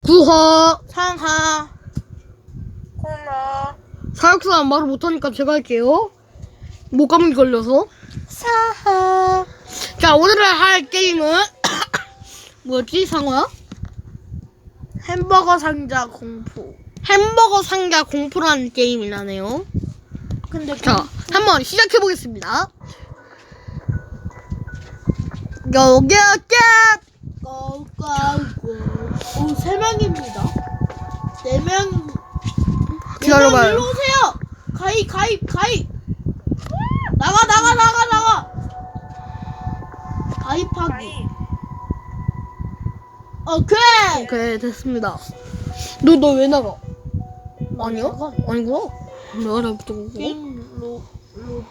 구하 상하 코너 사육수는 말을 못하니까 제가 할게요. 목감기 걸려서. 사하. 자, 오늘 할 게임은 뭐였지, 상어야? 햄버거 상자 공포. 햄버거 상자 공포라는 게임이라네요. 근데 자, 한번 시작해 보겠습니다. 여기 고고고. 오, 3명입니다. 4명. 기다려봐요. 일로 오세요. 가입. 나가. 가입하기. 오케이. 오케이, 됐습니다. 너 왜 나가? 아니야? 나가. 아니구나. 내가 잘못한 거고. 게임 로드.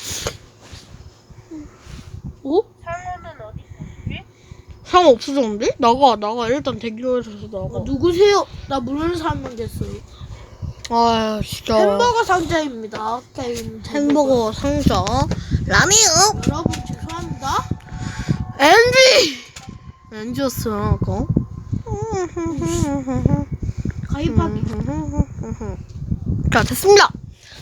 오? 상어는 어디 있지? 상어 없어졌는데? 나가. 일단 대기로에서 나가. 누구세요? 나 모르는 사람 됐어요. 아, 진짜. 햄버거 상자입니다. 게임 햄버거 상자. 라미요. 여러분 죄송합니다. 엔지였어요, 아까. 가입하기. 자, 됐습니다.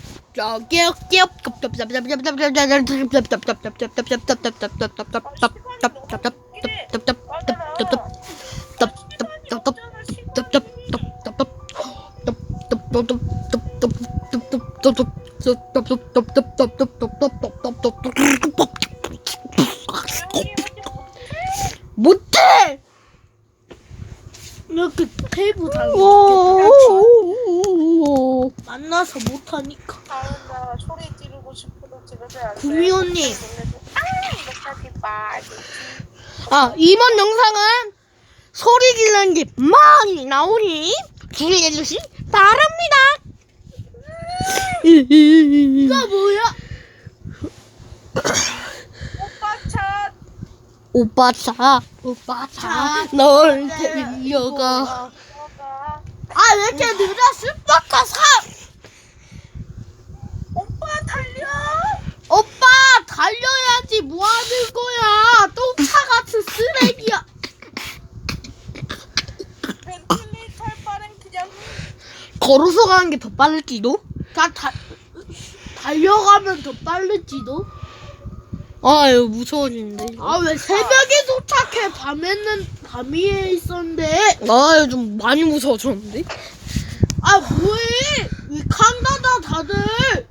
못해! 이렇게 테이블 달고 만나서 못하니까. 상어가 소리 지르고 싶어도 지르지 않아요. 구미호님. 이렇게 봐. 아, 이번 영상은 소리 지르는 게 많이 나오니 기대해주시 바랍니다. 이거 뭐야? 오빠 차. 오빠 차, 널 데려가. 아, 왜 이렇게 늦어? 슈퍼카 3! 오빠 달려. 오빠 달려야지. 뭐 하는 거야? 똥차 같은 쓰레기야. 벤틀리 탈 바엔 그냥 걸어서 가는 게 더 빠를지도? 달려가면 더 빠르지도. 아유, 무서워지는데. 아, 왜 새벽에 도착해? 밤에 있었는데. 아유, 좀 많이 무서워졌는데? 아, 뭐해? 왜 칸다다 다들.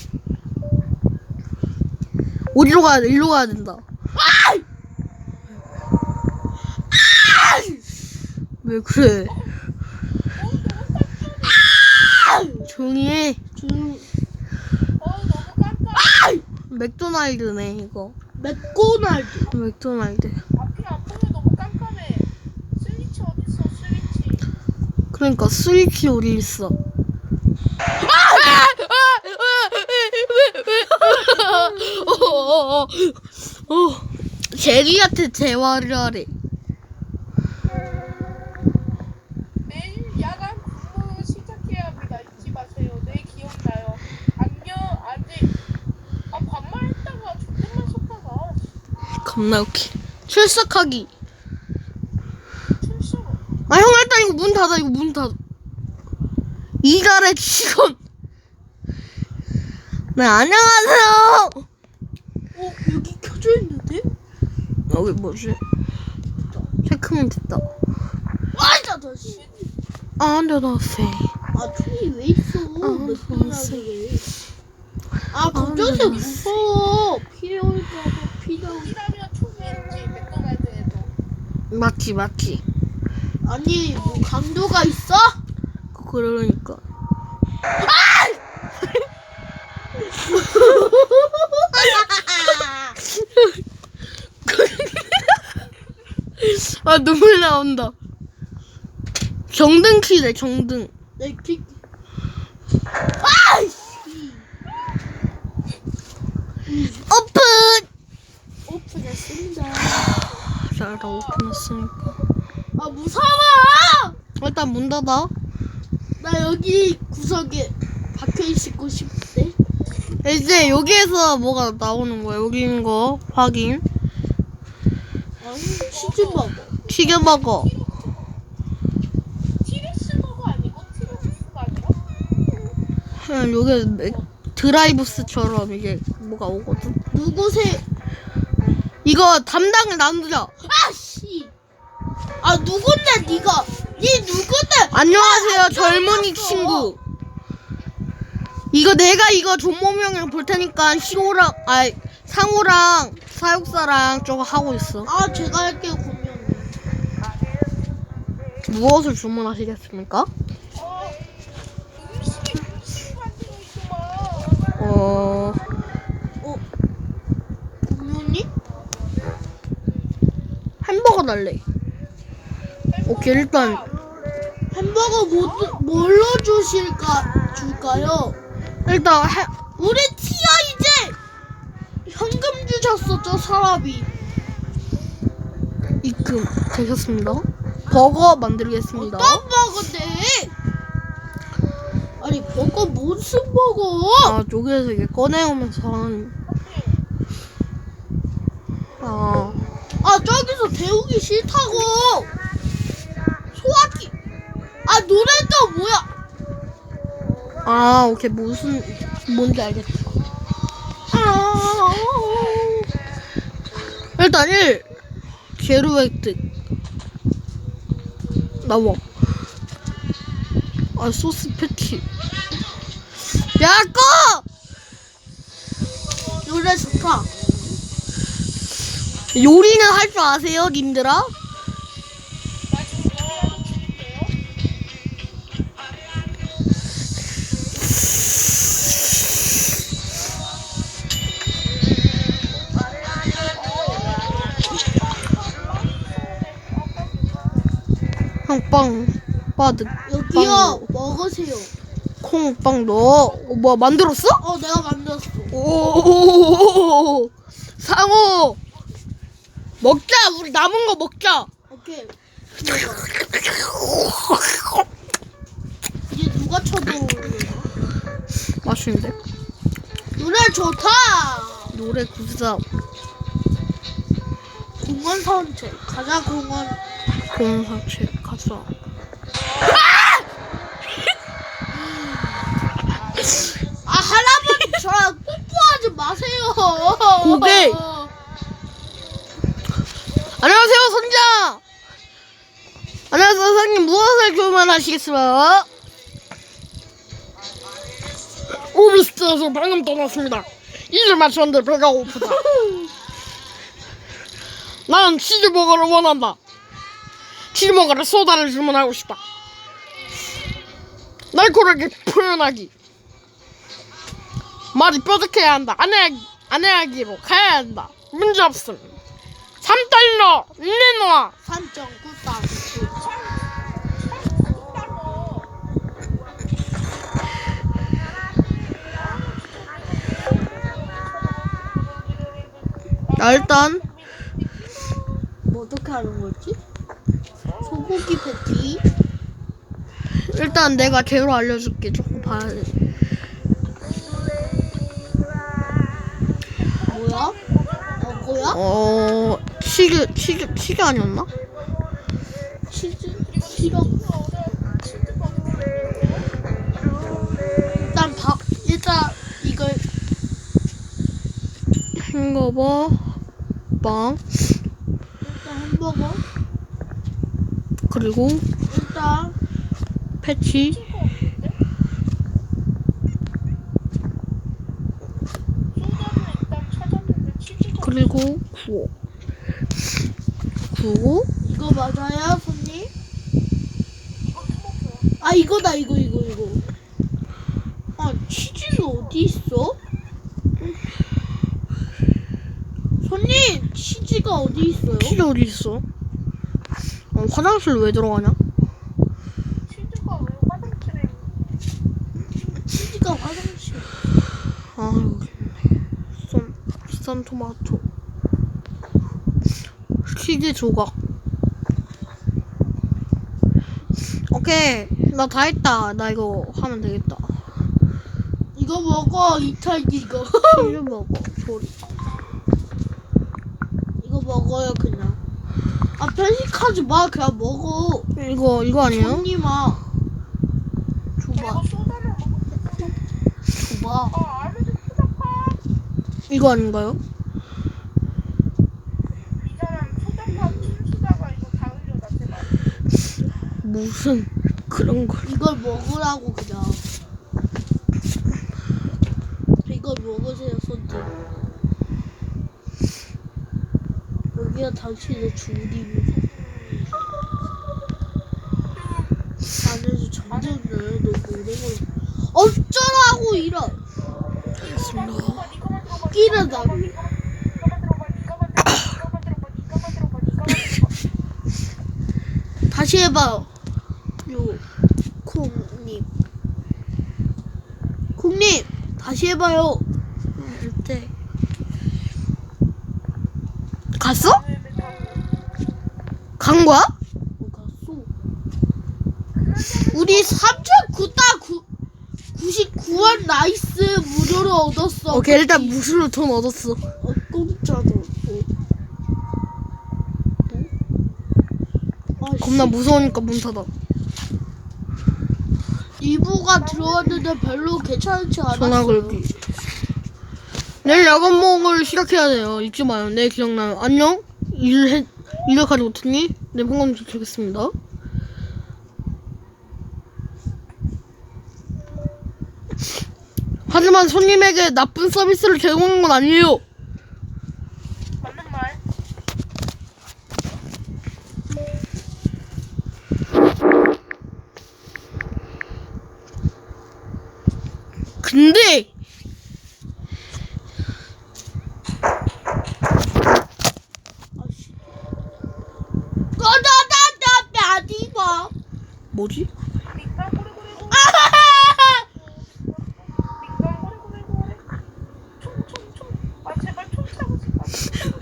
어디로 가야 돼? 일로 가야 된다. 왜 그래? 조용히 해. 좀 너무 깜깜해. 맥도날드네, 이거. 맥도날드. 맥도날드. 앞이 안 보여. 너무 깜깜해. 스위치 어딨어? 스위치. 그러니까 스위치 어디 있어? 제리한테 대화를 하래. 내일 야간 근무 시작해야 합니다. 잊지 마세요. 네, 기억나요. 안녕. 아직 반말했다가 존댓말 썼다가 겁나 웃기. 출석하기. 출석. 아, 형, 일단 이거 문 닫아. 이달의 직원. 네, 안녕하세요. 여기 켜져 있는데? 여기 뭐지? 체크면 됐다. 맞아, 너 씨. 안녕하세요. 아, 총이 왜 있어? 맥도날드에. 아, 걱정돼 무서워. 피해올까봐 피나올. 이라면 총이었지. 맥도날드에도. 맞지. 아니, 뭐 강도가 있어? 그러니까. 아, 눈물 나온다. 정등 키래, 정등. 내 키. 오픈! 오픈했습니다. 자, 다 오픈했으니까. 아, 무서워! 일단 문 닫아. 나 여기 구석에 박혀 있고 싶대. 이제 여기에서 뭐가 나오는 거야. 여기 있는 거 확인. 치즈버거. 튀겨먹어. 그냥 여기 드라이브스처럼 이게 뭐가 오거든. 누구세요? 이거 담당을 나누자. 아씨. 아 누군데 네가? 네 누군데? 안녕하세요, 아, 젊은이 들어갔어. 친구. 이거 내가 이거 존모명이랑 볼 테니까 시호랑 상호랑 사육사랑 저거 하고 있어. 아 제가 할게요 분명히. 무엇을 주문하시겠습니까? 음식이 만들고 있구만. 분명히? 햄버거 달래. 오케이, 일단 햄버거 뭘로 줄까요? 일단 우리 티야 이제 현금 주셨어 저 사람이. 입금 되셨습니다. 버거 만들겠습니다. 어떤 버거인데? 아니 버거 무슨 버거? 아, 저기에서 이게 꺼내오면서 하는. 아, 아 저기서 데우기 싫다고. 소화기. 아 노래도 뭐야? 오케이, 뭔지 알겠다. 아, 일단 1 제로 획득 나와. 소스 패티. 야, 꺼! 노래 좋다. 요리는 할 줄 아세요, 님들아? 나 지금 요리하는 중인데요. 형, 빵 빠득. 여기요 먹으세요. 콩빵 넣어. 뭐야, 만들었어? 내가 만들었어. 오, 상호 먹자. 우리 남은 거 먹자. 오케이. 이제 누가 쳐도 맛있는데? 노래 좋다. 노래 구사. 공원 산책 가자 공원. 공원 산책 가자. 아 할아버지 저랑 뽀뽀하지 마세요. 고개. 안녕하세요, 선장. 안녕하세요, 선생님. 무엇을 주문하시겠습니까? 오비스트에서 방금 떠났습니다. 일을 마쳤는데 배가 고프다. 난 치즈버거를 원한다. 치즈버거를 소다를 주문하고 싶다. 날카롭게 표현하기. 말이 뾰족해야 한다. 안해하기로 가야 한다. 문제 없음. 3달러 내놔. 3.9달러. 일단 뭐 어떻게 하는 거지? 소고기 패티. 일단 내가 제로 알려줄게. 조금 봐야 돼. 뭐야? 뭐야? 치즈 아니었나? 치즈 시럽. 일단 이걸 햄버거 빵 일단 햄버거. 그리고 일단 패치 그리고 구워 이거 맞아요, 손님? 아 이거다 이거. 아 치즈는 어디 있어? 손님 치즈가 어디 있어요? 치즈 어디 있어? 화장실 왜 들어가냐? 치즈가 왜 화장실에 치즈가 화장실. 여기 있네. 썬 토마토 치즈 조각. 오케이, 나 다 했다. 나 이거 하면 되겠다. 이거 먹어 이탈기 이거. 치즈 먹어 소리. 이거 먹어요 그냥. 아 편식하지 마 그냥 먹어. 이거 아니에요? 손님아. 내가 줘봐. 소다를 먹었어. 줘봐. 알려줘 초잡파. 이거 아닌가요? 이 사람 초잡파 춤추다가 이거 다 흘려다 제발. 무슨 그런 걸. 이걸 먹으라고 그냥. 이걸 먹으세요 손님. 여기가 당신의 주인입니다. 안에서 전쟁을 너무 오래 걸려. 어쩌라고 이런. 알겠습니다. 끼는다. 다시 해봐요. 요 콩님. 콩님 다시 해봐요. 네. 갔어? 간 거야? 갔어. 우리 3,999원 나이스 무료로 얻었어. 오케이, 일단 무술로 돈 얻었어. 공짜로. 겁나 무서우니까 문 닫아. 2부가 들어왔는데 별로 괜찮지 않았어요. 전화 걸기. 내일 야간 모험을 시작해야 돼요. 잊지 마요. 네, 기억나요. 안녕. 일을 가지 못했니? 네, 방금 지키겠습니다. 하지만 손님에게 나쁜 서비스를 제공한 건 아니에요. 맞는 말. 근데 아씨. 꺼져다 아니고. 뭐지? 민간 고래고래고. 민간 고래고래고. 총총총. 아 제발 총 차고 싶어.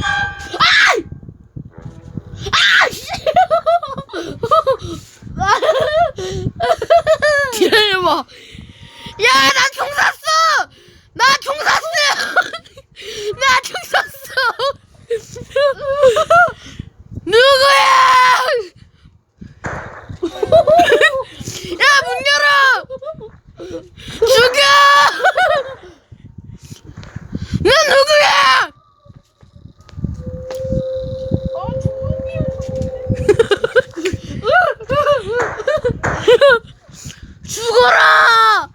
기다려봐. 야, 나 총 쐈어! 나 총 쐈어! 나 총 쐈어! 누구야! 야, 문 열어! 죽여! 넌 누구야! 조용히 죽어라!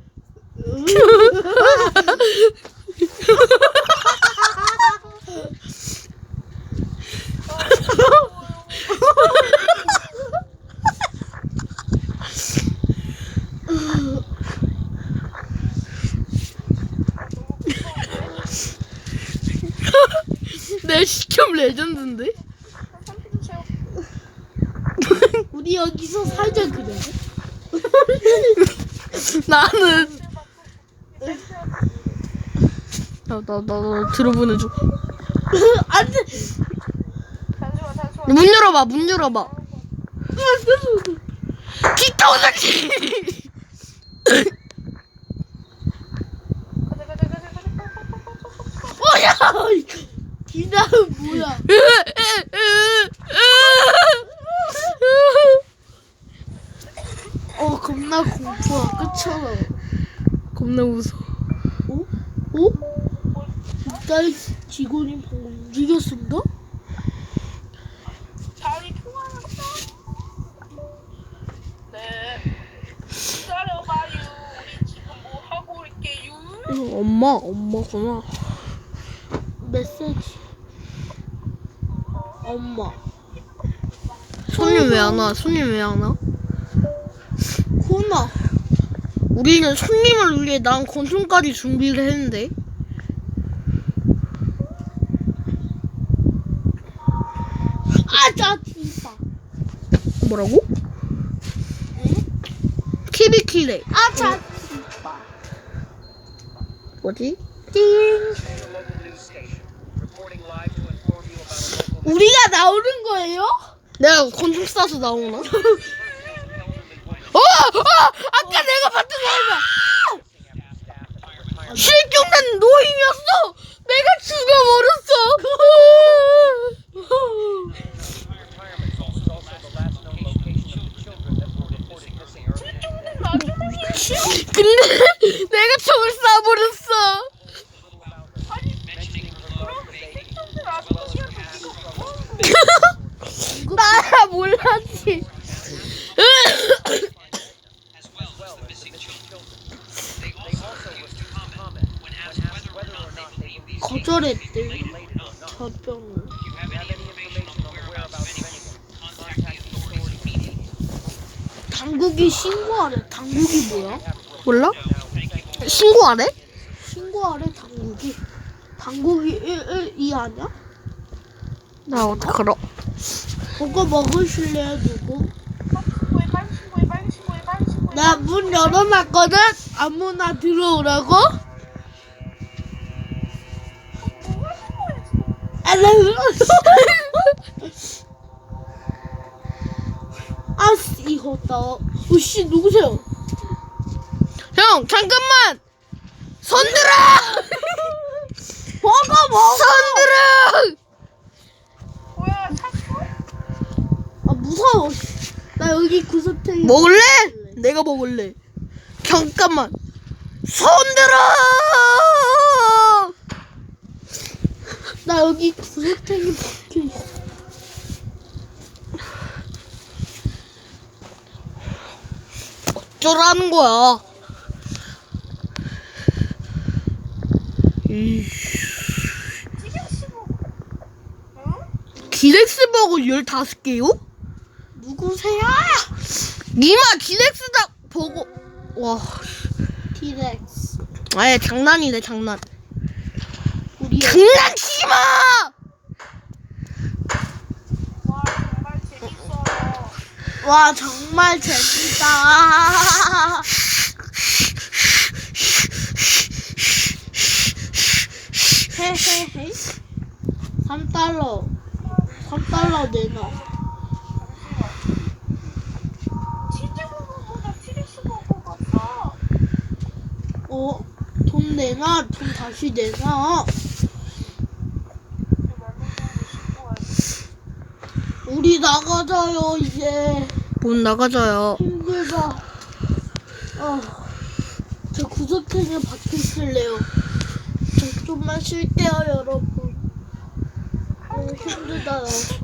내 시점 레전드인데? 우리 여기서 살자 그래. 나는 나 들어보내줘. 안돼. 잠시만. 문 열어봐, 문 열어봐. 기타오사키. 가자. 뭐야? 기다는 뭐야? 겁나 공포야. 끝이잖아. 겁나 무서워. 일단 직원이 방금 움직였습니다. 자리 통화한다. 네. 기다려봐요. 우리 지금 뭐 하고 올게요. 엄마구나. 메시지. 엄마. 손님 왜 안 와? 손님 왜 안 와? 코나. 우리는 손님을 위해 난 권총까지 준비를 했는데. 아자 진짜. 뭐라고? 키비키레. 아자 진짜. 뭐지? 우리가 나오는 거예요? 내가 권총 쏴서 나오나? 아까 내가 봤던 사람이야. 실종된 노인이었어. 내가 죽여버렸어. 실종된 마지막이었어. 근데 내가 총을 쏴버렸어. 아니 그럼 생존들 아저씨한테 이거 나야 몰랐지. 거절했대. 저병. 당국이 신고하래. 당국이 뭐야? 몰라? 신고하래? 신고하래 당국이. 당국이 112 아니야? 나 어떡 알아? 그거 먹으실래요 누구? 빨리 신고해 빨리 신고해 빨리 신고해. 나 문 열어놨거든? 아무나 들어오라고? 누가 신고했어? 아씨 이거다. 오씨 누구세요? 형 잠깐만. 손들어. 먹어. 손들어. 뭐야 샀어? 아 무서워. 나 여기 구석탱이. 먹을래? 내가 먹을래. 잠깐만. 손들어. 나 여기 구석탱이 박혀있어. 어쩌라는 거야? 티격시보. 응? 기렉스버거 15개요? 누구세요? 니마 기렉스다 버거. 와. 티렉스. 아예 장난이네 장난. 우리 장난치지 마. 와 정말 재밌어요. 와 정말 재밌다. 헤헤헤. 3달러. 3달러 내놔. 치즈버거보다 티격시버거가 싸. 돈 내놔. 돈 다시 내놔. 우리 나가자요 이제. 못 나가져요. 힘들다. 저 구석탱이에 박혀있을래요. 저 좀만 쉴게요 여러분. 너무 힘들다요.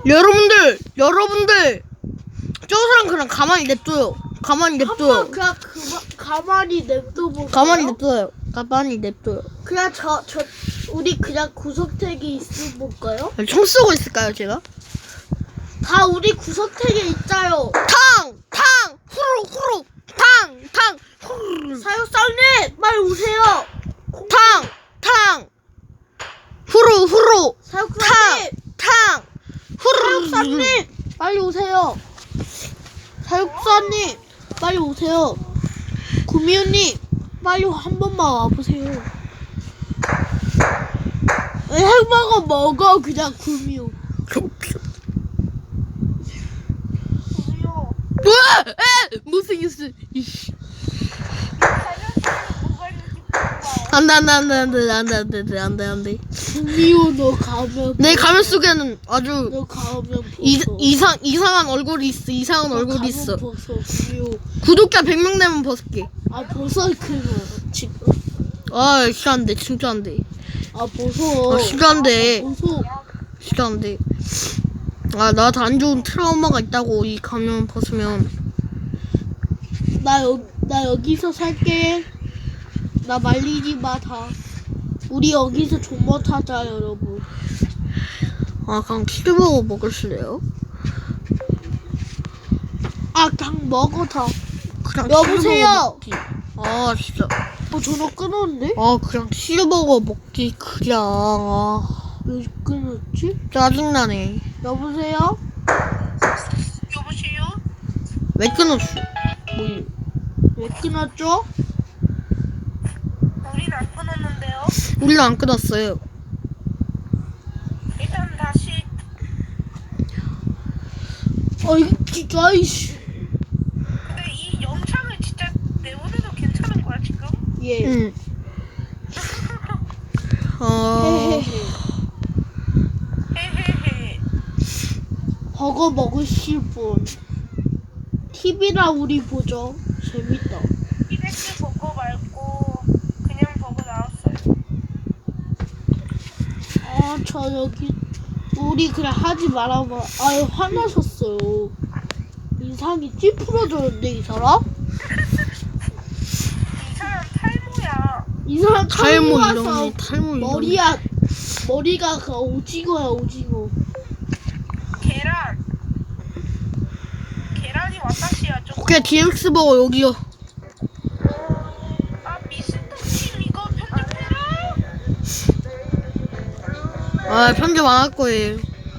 여러분들 저 사람 그냥 가만히 냅둬요. 가만히 한번 냅둬요. 그냥 가만히 냅둬볼까요? 가만히 냅둬요. 가만히 냅둬요. 그냥 우리 그냥 구석탱이 있어볼까요? 총 쏘고 있을까요 제가? 다 우리 구석탱이에 있자요. 탕 후루 탕 후루 사육사님 빨리 오세요. 탕 후루 사육사님 탕 후루 사육사님 빨리 오세요. 사육사님 빨리 오세요. 구미호님 빨리 한 번만 와보세요. 햄버거 먹어 그냥 구미호. 우리요. 우와! 에! 못생겼어. 이씨. 자연스러운 뭐가 있는지 봐봐. 안돼. 구미호 너 가면 내 가면 속에는 아주 너 가면 벗어. 이상한 얼굴이 있어. 이상한 너 얼굴이 가면 있어. 벗어 구미호. 구독자 100명 되면 벗을게. 아 벗어 그러면 지금. 아 진짜 안돼. 진짜 안돼. 아 벗어. 진짜 안돼. 벗어. 진짜 안돼. 나한테 안 좋은 트라우마가 있다고 이 가면 벗으면. 나 여기서 살게. 나 말리지 마 다. 우리 여기서 존버 타자 여러분. 그냥 치즈버거 먹으실래요? 그냥 먹어 다. 그냥 여보세요? 치즈버거 먹기. 진짜. 전화 끊었는데? 그냥 치즈버거 먹기 그냥. 왜 끊었지? 짜증나네. 여보세요? 여보세요? 왜 끊었어? 왜 끊었죠? 우린 안 끊었는데요. 우리는 안 끊었어요. 일단 다시. 이거 진짜 이씨. 근데 이 영상을 진짜 내보내도 괜찮은 거야 지금? 예. 응. 헤헤헤. 버거 먹으실 분. TV랑 우리 보죠. 재밌다. 이래 섹스 버거 말고 그냥 버거 나왔어요. 저 여기 우리 그냥 하지 말아봐. 아유 화나셨어요. 인상이 찌푸러졌는데 이 사람? 이 사람 탈모야. 이 사람 탈모 와서 이런 탈모 이런. 머리가 그 오징어야 오징어. 계란이 와타시야 좀. 오케이 DX 버거 여기요. 아 미스터 킴 이거 편집해라. 아 편집 안 할 거예요.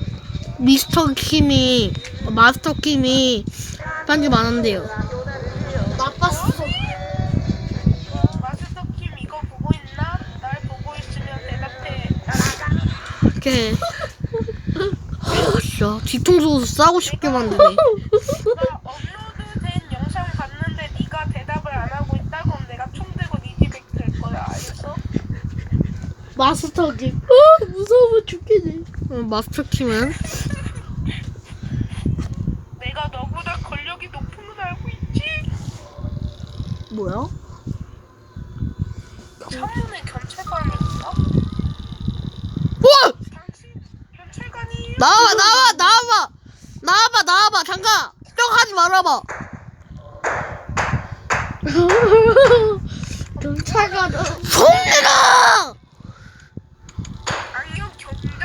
마스터 킴이 편집 안 한대요. 나빴어. 마스터 킴 이거 보고 있나? 날 보고 있으면 대답해. 오케이. 진짜 뒤통수 싸고 싶게 만드네. 나 업로드된 영상 봤는데 네가 대답을 안 하고 있다 그럼 내가 총 들고 네 집에 갈 거야. 알겠어? 마스터기. 무서워 죽겠네. 마스터 킴은 내가 너보다 권력이 높은 건 알고 있지? 뭐야? 청문회 경찰관이 있어? 와! 당신 경찰관이에요? 나와봐 잠깐 뿅하지 말아봐. 경찰관은 손내라. 아니요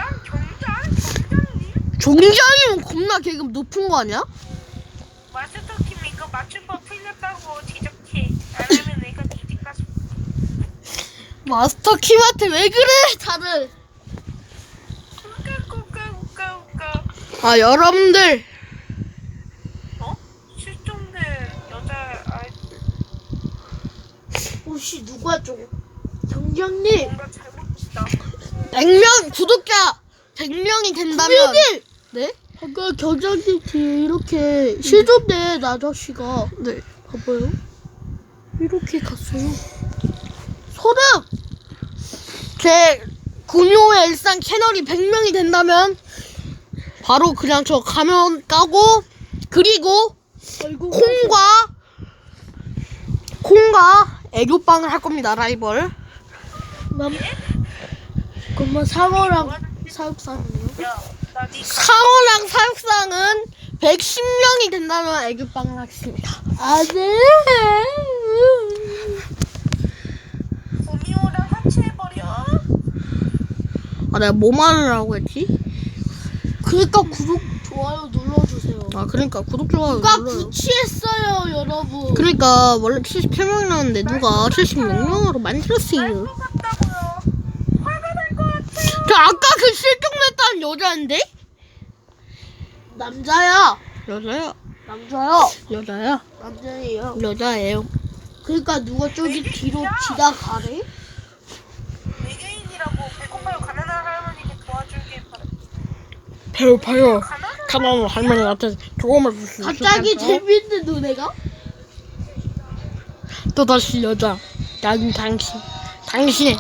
경장님? 종장이면 겁나 계급 높은 거 아니야? 마스터 킴 이거 맞춤법 틀렸다고 지적해. 안 하면 내가 뒤집 가서 마스터 킴한테 왜 그래 다들. 우까. 아 여러분들 어? 실종된 여자 아이들 혹시 누가 좀 경장님. 뭔가 잘못했다. 100명 구독자 100명이 된다면 경장님. 네? 아까 경장님 뒤에 이렇게 실종된 아저씨가 네. 봐봐요. 이렇게 갔어요. 소름. 제 군요의 일상 채널이 100명이 된다면 바로 그냥 저 가면 까고 그리고 아이고. 콩과 애교빵을 할 겁니다. 라이벌. 그러면 상어랑 사육사는요? 야나니 상어랑 사육상은 110명이 된다면 애교빵을 하겠습니다. 안돼. 구미호랑 합체해버려. 아 내가 뭐 말을 했지? 그러니까 구독 좋아요 눌러주세요. 아 그러니까 구독 좋아요 누가 눌러요. 구치했어요 여러분. 그러니까 원래 78명이었는데 누가 76명으로 만들었어요. 것 같다고요. 화가 날 것 같아요. 저 아까 그 실종됐다는 여자인데? 남자야. 여자야. 남자야. 여자야. 남자예요. 여자예요. 그러니까 누가 저기 뒤로 지나가래? 외계인이라고 배고파요 가난한 할머니께 도와주길 바래. 배고파요. 가난한 가난한 할머니한테 도움을 줄 수 있을까요? 갑자기 재밌는 노래가? 또다시 여자. 난 당신의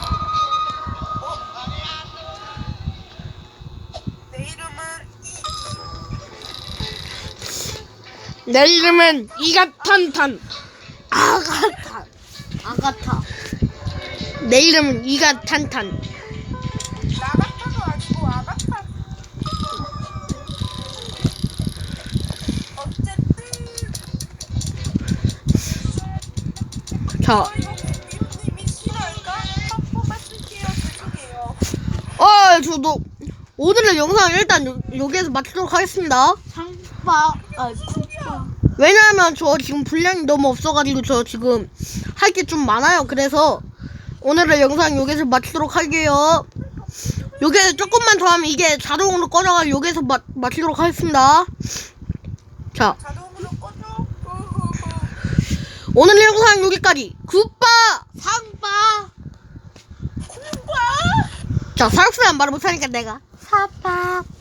내 이름은 내 이름은 이가탄탄. 아가타. 내 이름은 이가탄탄. 나가타도 아니고 아가타. 어쨌든 자, 이거 미호님이 싫어할까? 한 쓸게요. 죄송해요. 저도 오늘의 영상 일단 여기에서 마치도록 하겠습니다. 상바. 국바. 왜냐하면 저 지금 분량이 너무 없어가지고 저 지금 할 게 좀 많아요. 그래서 오늘의 영상 여기서 마치도록 할게요. 여기서 조금만 더 하면 이게 자동으로 꺼져가지고 여기서 마치도록 하겠습니다. 자, 자동으로 꺼줘. 오늘의 영상 여기까지. 굿바! 상바. 콩과 자, 사육수는 말을 못하니까 내가 사바.